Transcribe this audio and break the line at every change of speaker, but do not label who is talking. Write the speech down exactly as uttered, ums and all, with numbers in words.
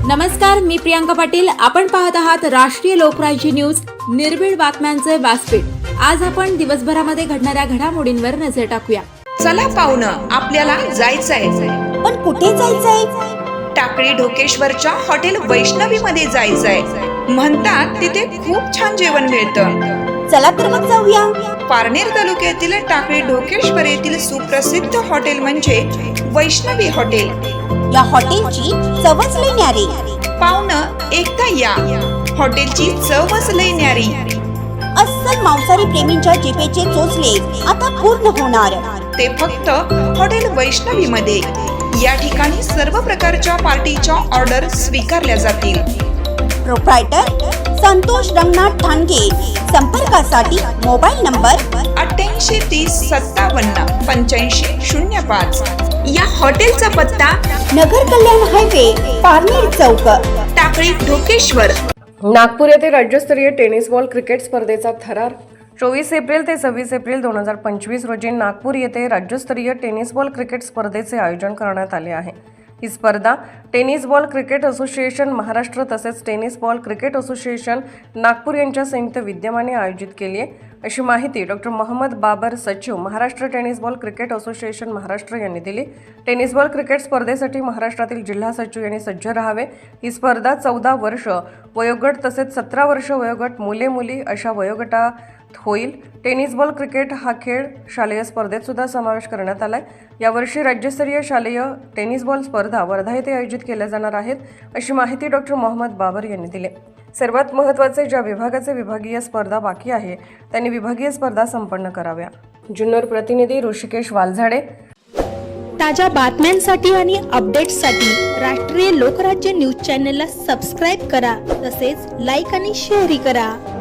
नमस्कार, मी प्रियांका पाटील. आपण पाहत आहात राष्ट्रीय लोकराज्य न्यूज, निर्भीड बातम्यांचे व्यासपीठ. आज आपण दिवसभरामध्ये घडणाऱ्या घडामोडींवर नजर टाकूया.
चला पाहुणं, आपल्याला जायचंय.
पण कुठे जायचंय?
टाकळी ढोकेश्वरच्या हॉटेल वैष्णवी मध्ये जायचंय. म्हणतात तिथे खूप छान जेवण मिळतं.
चला तर मग जाऊया.
पारनेर तालुक्यातील टाकळी ढोकेश्वर येथील सुप्रसिद्ध हॉटेल म्हणजे वैष्णवी हॉटेल.
या हॉटेलची चवच लई न्यारी.
पाहुणं, एकदा या. हॉटेलची चवच लई न्यारी.
अस्सल मांसाहारी प्रेमींच्या जिभेचे चोचले आता पूर्ण होणार.
ते फक्त हॉटेल वैष्णवी मध्ये. या ठिकाणी सर्व प्रकारच्या पार्टीच्या ऑर्डर स्वीकारल्या जातील.
प्रोप्रायटर संतोष रंगनाथ ठाणगे. संपर्कासाठी मोबाईल नंबर
अठ्ठ्याऐंशी तीस सत्तावन्न पंच्याऐंशी शून्य पाच. या हॉटेलचा पत्ता
नगर कल्याण हायवे, पारनेर चौक,
टाकळी ढोकेश्वर.
नागपूर येथे राज्यस्तरीय टेनिस बॉल क्रिकेट स्पर्धेचा थरार. चोवीस एप्रिल ते सव्वीस एप्रिल दोन हजार पंचवीस रोजी नागपूर येथे राज्यस्तरीय टेनिस बॉल क्रिकेट स्पर्धेचे आयोजन करण्यात आले आहे. ही स्पर्धा tennis ball cricket association Maharashtra तसेच tennis ball cricket association Nagpur यांच्या संयुक्त विद्यमाने आयोजित केली आहे, अशी माहिती डॉक्टर मोहम्मद बाबर, सचिव Maharashtra tennis ball cricket association Maharashtra यांनी दिली. टेनिस बॉल क्रिकेट स्पर्धेसाठी महाराष्ट्रातील जिल्हा सचिव यांनी सज्ज राहावे. ही स्पर्धा चौदा वर्ष वयोगट तसेच सतरा वर्ष वयोगट मुले मुली अशा वयोगटात होईल. टेनिस बॉल क्रिकेट हा खेळ शालेय स्पर्धेत सुद्धा समावेश करण्यात आलाय. यावर्षी राज्यस्तरीय शालेय टेनिस बॉल स्पर्धा वर्धा येथे आयोजित केल्या जाणार आहेत, अशी माहिती डॉक्टर मोहम्मद बाबर यांनी दिली. सर्वात महत्त्वाचे, ज्या विभागाचे विभागीय स्पर्धा बाकी आहे त्यांनी विभागीय स्पर्धा संपन्न कराव्या. जुन्नर प्रतिनिधी ऋषिकेश वालझाडे.
ताज्या बातम्यांसाठी आणि अपडेट्ससाठी राष्ट्रीय लोकराज्य न्यूज चॅनलला सबस्क्राईब करा. तसेच लाईक आणि शेअरही करा.